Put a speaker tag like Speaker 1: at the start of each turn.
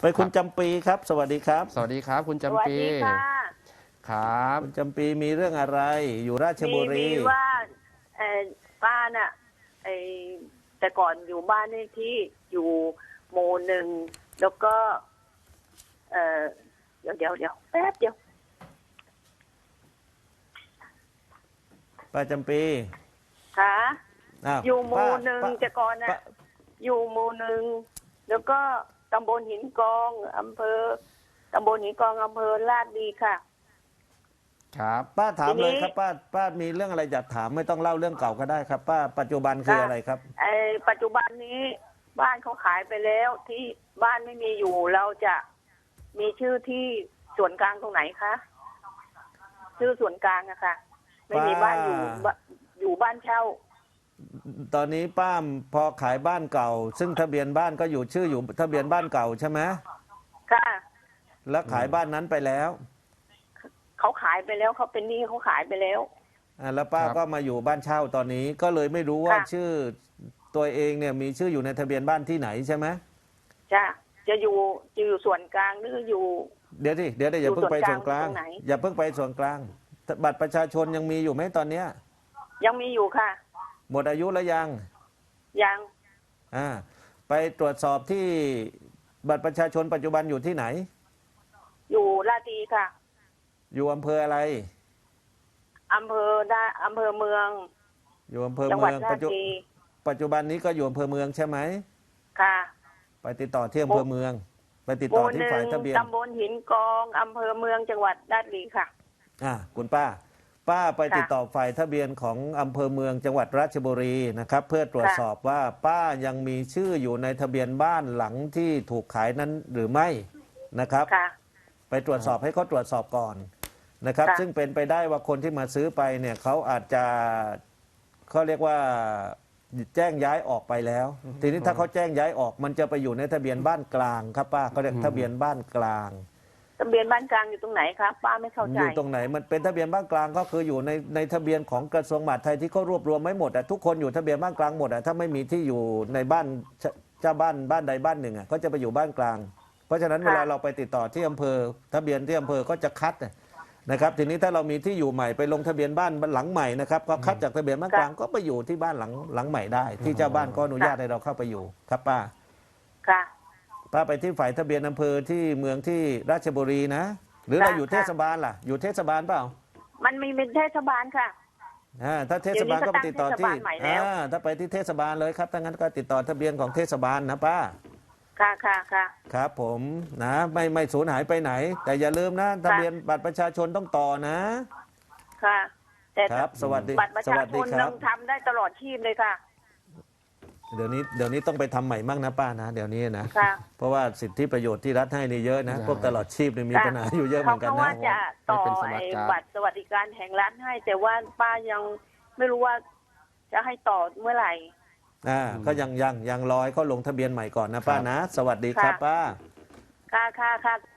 Speaker 1: ไปคุณจำปีครับสวัสดีครับ
Speaker 2: สวัสดีครับคุณ
Speaker 3: สวัส
Speaker 2: จำปี
Speaker 3: ดีค่ะ
Speaker 2: ครับ
Speaker 1: คุณจำปีมีเรื่องอะไรอยู่ราชบุรี
Speaker 3: มีว่าเอ่อป้าน่ะไอแต่ก่อนอยู่บ้านเลขที่อยู่หมู่หนึ่งแล้วก็ เออเดี๋ยวแป๊บเดียว
Speaker 1: ป้าจำปี
Speaker 3: ค่ะ
Speaker 1: อ้าว
Speaker 3: อยู่หมู่หนึ่ง
Speaker 1: ป้า
Speaker 3: แต่ก่อนน่ะ
Speaker 1: ป้า
Speaker 3: อยู่หมู่หนึ่งแล้วก็ตำบลหินกองอำเภอตำบลหินกองอำเภอลาดดีค่ะ
Speaker 2: ครับ
Speaker 1: ป้าถาม
Speaker 3: ทีนี้
Speaker 1: เลยครับป้ามีเรื่องอะไรจะถามไม่ต้องเล่าเรื่องเก่าก็ได้ครับ ป้าปัจจุบันคืออะไรครับ
Speaker 3: ปัจจุบันนี้บ้านเขาขายไปแล้วที่บ้านไม่มีอยู่เราจะมีชื่อที่ส่วนกลางตรงไหนคะชื่อส่วนกลางอะค่ะไม่มีบ้านอยู่บ้านเช่า
Speaker 1: ตอนนี้ป้าพอขายบ้านเก่า ซึ่งทะเบียนบ้านก็อยู่ชื่ออยู่ทะเบียนบ้านเก่าใช่ไหม
Speaker 3: ค่ะ
Speaker 1: แล้วขายบ้านนั้นไปแล้ว
Speaker 3: เขาขายไปแล้วเขาเป็นหนี้เขาขายไปแล้ว
Speaker 1: แล้วป้าก็มาอยู่บ้านเช่าตอนนี้ก็เลยไม่รู้ว่า
Speaker 3: ค่ะ
Speaker 1: ชื่อตัวเองเนี่ยมีชื่ออยู่ในทะเบียนบ้านที่ไหนใช่ไหม
Speaker 3: จ้ะจะอยู่ส่วนกลางหรืออยู่
Speaker 1: เดี๋ยวอย่าเพิ่งไปส่วนกลาง
Speaker 3: อยู่ส่วนกลางตรงไหน
Speaker 1: อย่าเพิ่งไปส่วนกลางบัตรประชาชนยังมีอยู่ไหมตอนเนี้ย
Speaker 3: ยังมีอยู่ค่ะ
Speaker 1: หมดอายุแล้วยัง
Speaker 3: ยัง
Speaker 1: ไปตรวจสอบที่บัตรประชาชนปัจจุบันอยู่ที่ไหน
Speaker 3: อยู่ลาดดีค่ะ
Speaker 1: อยู่อำเภออะไร
Speaker 3: อำเภอเมือง
Speaker 1: อยู่อำเภอ
Speaker 3: จังหวั
Speaker 1: เมื
Speaker 3: ด
Speaker 1: อง
Speaker 3: ลาดดี
Speaker 1: ปัจจุบันนี้ก็อยู่อำเภอเมืองใช่ไหม
Speaker 3: ค่ะ
Speaker 1: ไปติดต่อที่อำเภอเมือง ไปติด
Speaker 3: ห
Speaker 1: ต่อ
Speaker 3: มู่ห
Speaker 1: ที่
Speaker 3: นึ่
Speaker 1: ฝ่าย
Speaker 3: ง
Speaker 1: ทะเบียน
Speaker 3: ตำบลหินกองอำเภอเมืองจังหวัดลาดดีค่ะ
Speaker 1: คุณป้าไปติดต่อฝ่ายทะเบียนของอำเภอเมืองจังหวัดราชบุรีนะครับ เพื่อตรวจสอบว่าป้ายังมีชื่ออยู่ในทะเบียนบ้านหลังที่ถูกขายนั้นหรือไม่นะครับ
Speaker 3: ค่ะ
Speaker 1: ไปตรวจสอบให้เขาตรวจสอบก่อนนะครับ
Speaker 3: ค่ะ
Speaker 1: ซึ่งเป็นไปได้ว่าคนที่มาซื้อไปเนี่ยเขาอาจจะเขาเรียกว่าแจ้งย้ายออกไปแล้ว ทีนี้ถ้าเขาแจ้งย้ายออกมันจะไปอยู่ในทะเบียนบ้านกลางครับป้าเขาเรียกทะเบียนบ้านกลาง
Speaker 3: ทะเบียนบ้านกลางอยู่ตรงไหนคะป้าไม่เข้าใจ
Speaker 1: อยู่ตรงไหนมันเป็นทะเบียนบ้านกลางก็คืออยู่ในทะเบียนของกระทรวงมหาดไทยที่เขารวบรวมไม่หมดอะทุกคนอยู่ทะเบียนบ้านกลางหมดอะถ้าไม่มีที่อยู่ในบ้านเจ้าบ้านใดบ้านหนึ่งอะก็จะไปอยู่บ้านกลาง เพราะฉะนั้น
Speaker 3: ค่ะ
Speaker 1: เวลาเราไปติดต่อที่อำเภอทะเบียนที่อำเภอก็จะคัดนะครับทีนี้ถ้าเรามีที่อยู่ใหม่ไปลงทะเบียนบ้านหลังใหม่นะครับก็คัดจากทะเบียนบ้านกลางก็ไปอยู่ที่บ้านหลังใหม่ได้ ที่เจ้าบ้านก็อนุญาตให้เราเข้าไปอยู่ครับป้า
Speaker 3: ค่ะ
Speaker 1: ป้าไปที่ฝ่ายทะเบียนอำเภอที่เมืองที่ราชบุรีนะหรือเราอยู่เทศบาลล่ะอยู่เทศบาลเปล่า
Speaker 3: มันมีเป็นเทศบาลค่ะ
Speaker 1: ถ้าเทศบาลก็ไปติดต่อที่
Speaker 3: เดี๋ยวนี้ก็ตั้งเทศบาลใหม่แล้ว
Speaker 1: ถ้าไปที่เทศบาลเลยครับถ้างั้นก็ติดต่อทะเบียนของเทศบาลนะป้า
Speaker 3: ค่ะค่ะค่ะ
Speaker 1: ครับผมนะไม่สูญหายไปไหน แต่อย่าลืมนะทะเบียนบัตรประชาชนต้องต่อนะ
Speaker 3: ค่ะ แต่
Speaker 1: ครับสวัสดี
Speaker 3: บัตรประ
Speaker 1: ส
Speaker 3: ชา
Speaker 1: วัส
Speaker 3: ช
Speaker 1: ดี
Speaker 3: น
Speaker 1: ครั
Speaker 3: ยั
Speaker 1: บ
Speaker 3: งทำได้ตลอดชีพเลยค่ะ
Speaker 1: เดี๋ยวนี้ต้องไปทำใหม่มั่งนะป้านะเดี๋ยวนี้นะ
Speaker 3: ค่ะ
Speaker 1: เพราะว่าสิทธิประโยชน์ที่รัฐให้นี่เยอะนะ
Speaker 2: ใช่
Speaker 1: พวกตลอดชีพนี่มีปัญหาอยู่เยอะเหมือนกัน
Speaker 3: เขา
Speaker 1: นะ
Speaker 3: ว่าจะต่อ
Speaker 2: ไม่เป็นสมั
Speaker 3: ไอ้
Speaker 2: ครการ
Speaker 3: บัตรสวัสดิการแห่งรัฐให้ แต่ว่าป้ายังไม่รู้ว่าจะให้ต่อเมื่อไหร่
Speaker 1: ก็ยังรอให้เขาลงทะเบียนใหม่ก่อนนะป้านะ สวัสดีครับ
Speaker 3: ค่ะ
Speaker 1: ป้า
Speaker 3: ค่ะค่ะค่ะ